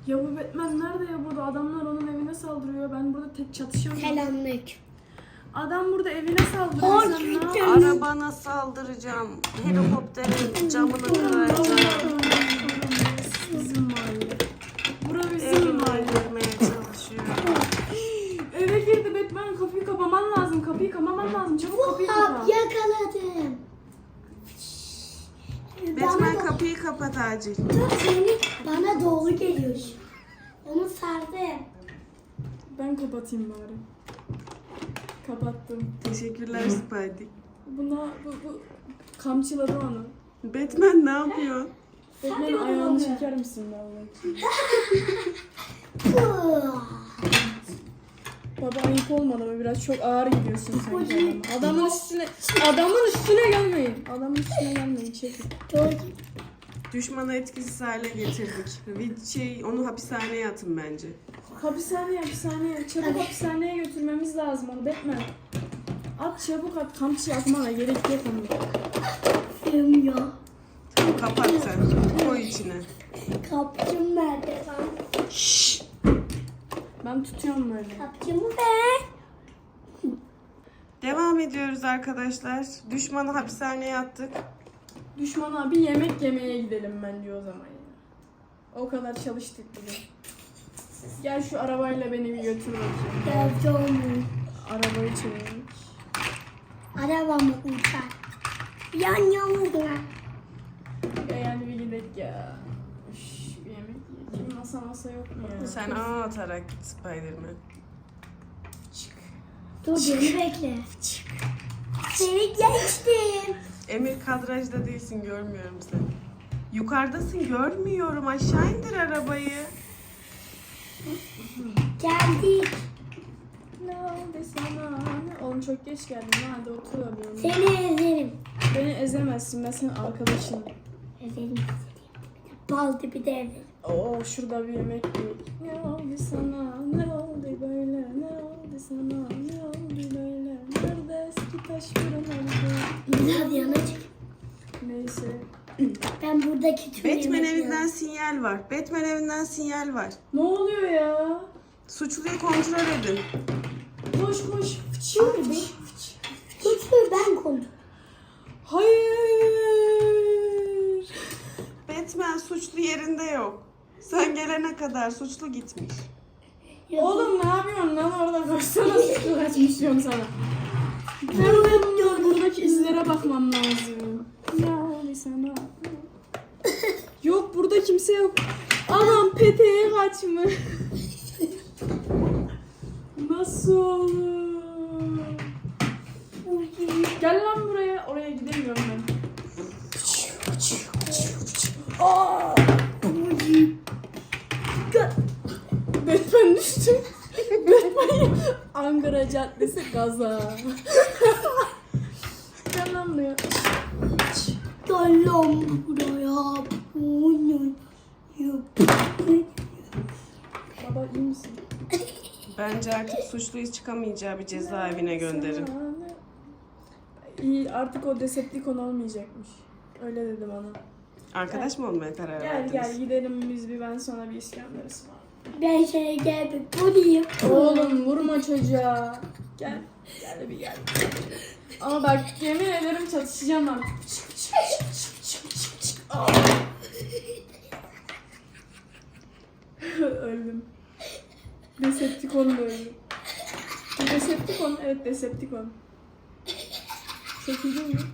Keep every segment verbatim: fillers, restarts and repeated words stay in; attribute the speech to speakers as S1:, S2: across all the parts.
S1: Ya bu Batman nerede ya burada? Adamlar onun evine saldırıyor. Ben burada tek çatışamıyorum.
S2: Selamünaleyküm.
S1: Adam burada evine saldırıyor. Sen ne
S2: Korktum.
S1: yapıyorsun?
S3: Arabana saldıracağım. Helikopterin camını kıracağım.
S1: Bizim mahalle. Bura bizim
S3: Evime
S1: mahalle.
S3: girmeye çalışıyor.
S1: Eve girdi Batman. Kapıyı kapaman lazım. Kapıyı kapaman lazım. Çabuk kapıyı kapa.
S2: Hop yakaladım.
S3: Batman
S2: Bana,
S3: kapıyı kapat acil.
S2: dur seni bana doğru geliyor. Onu sardım.
S1: Ben kapatayım bari. Kapattım.
S3: Teşekkürler Spidey.
S1: Buna bu, bu kamçıladı onu.
S3: Batman ne yapıyor?
S1: Batman
S2: Sen
S1: ayağını
S2: de
S1: çeker misin vallahi? Baba ayıp olmadı mı? Biraz çok ağır gidiyorsun sanki adama. Adamın üstüne, adamın üstüne gelmeyin. Adamın üstüne gelmeyin. Çekin.
S2: Doğru.
S3: Düşmanı etkisiz hale getirdik. Bir şey, onu hapishaneye atın bence.
S1: Hapishaneye, hapishaneye. Çabuk hapishaneye götürmemiz lazım onu Batman. At çabuk at. Kamçı atmana gerek yok onu.
S2: Bilmiyor.
S3: Tamam, kapat sen. Koy içine.
S2: Kapçım nerede lan?
S3: Şşş.
S1: Ben tutuyorum böyle.
S2: Kapçımı ver.
S3: Devam ediyoruz arkadaşlar. Düşmanı hapishaneye attık.
S1: Düşmana bir yemek yemeye gidelim bence o zaman ya. O kadar çalıştık bugün. Gel şu arabayla beni bir götür bakayım.
S2: Geldim.
S1: Arabayı çevir.
S2: Arabamı uçar. Yan yana.
S1: Ya yani bir gidelim ya. Üş, bir yemek yiyeyim. Masa masa yok mu ya?
S3: Sen ağ atarak git Spiderman.
S1: Çık.
S2: Dur beni bekle. Seni geçtim.
S3: Emir kadrajda değilsin, görmüyorum seni. Yukarıdasın, görmüyorum. Aşağı indir arabayı.
S2: Geldik.
S1: Ne oldu sana? Ne? Oğlum çok geç geldin. Hadi otur alıyorum.
S2: Seni ezerim.
S1: Beni ezemezsin. Ben senin arkadaşınım.
S2: Ezerim ezerim. Bal dibi de ezerim.
S1: Oo şurada bir yemek yiyek. Ne oldu sana? Ne oldu böyle? Ne oldu sana? Ne oldu böyle? Nerede eski taş fırın oldu?
S2: Biraz yana çık.
S1: Neyse.
S2: Ben buradaki tüm
S3: Batman
S2: yemekleri-
S3: evinden sinyal var. Batman evinden sinyal var.
S1: Ne oluyor ya?
S3: Suçluyu kontrol edin.
S1: Koş koş. Fıçıyor mu?
S2: Suçluyu ben kondum.
S1: Hayır.
S3: Batman suçlu yerinde yok. Sen gelene kadar suçlu gitmiş.
S1: Oğlum ne yapıyorsun lan orada? Koşsana suçlu kaçmış diyorum sana. Nerede dur? Buradaki izlere bakmam lazım. Ne oldu sana? Yok burada kimse yok. Anam peteğe kaçmış. Nasıl olur? Gel lan buraya. Oraya gidemiyorum ben. Aa! Batman düştü. Batman Ankara Caddesi gaza. Gel lan buraya.
S2: Dalam buraya.
S1: Baba iyi misin?
S3: Bence artık suçluyu çıkamayacağı bir cezaevine gönderin.
S1: İyi artık o Decepticon olmayacakmış. Öyle dedi bana.
S3: Arkadaş mı olmaya karar
S1: Gel
S3: verdiniz?
S1: gel gidelim biz bir ben sana bir İskender ısmarlayayım.
S2: Ben şeye geldim. Buradayım.
S1: Oğlum vurma çocuğa. Gel. Gel bir gel. Ama bak yemin ederim çatışacağım artık. Çık, çık, çık, çık, çık, çık. Aa. Öldüm. Decepticon da öldü. Decepticon, evet Decepticon. Çekildin mi?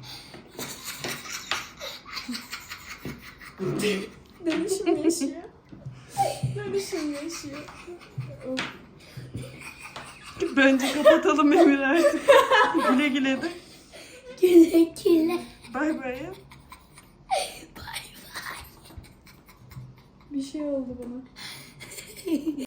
S1: Dönüşüm yaşıyor. Dönüşüm yaşıyor. Of.
S3: Bence kapatalım Emir artık. Güle güle de.
S2: Güle güle.
S3: Bay bay.
S1: Bir şey oldu bana.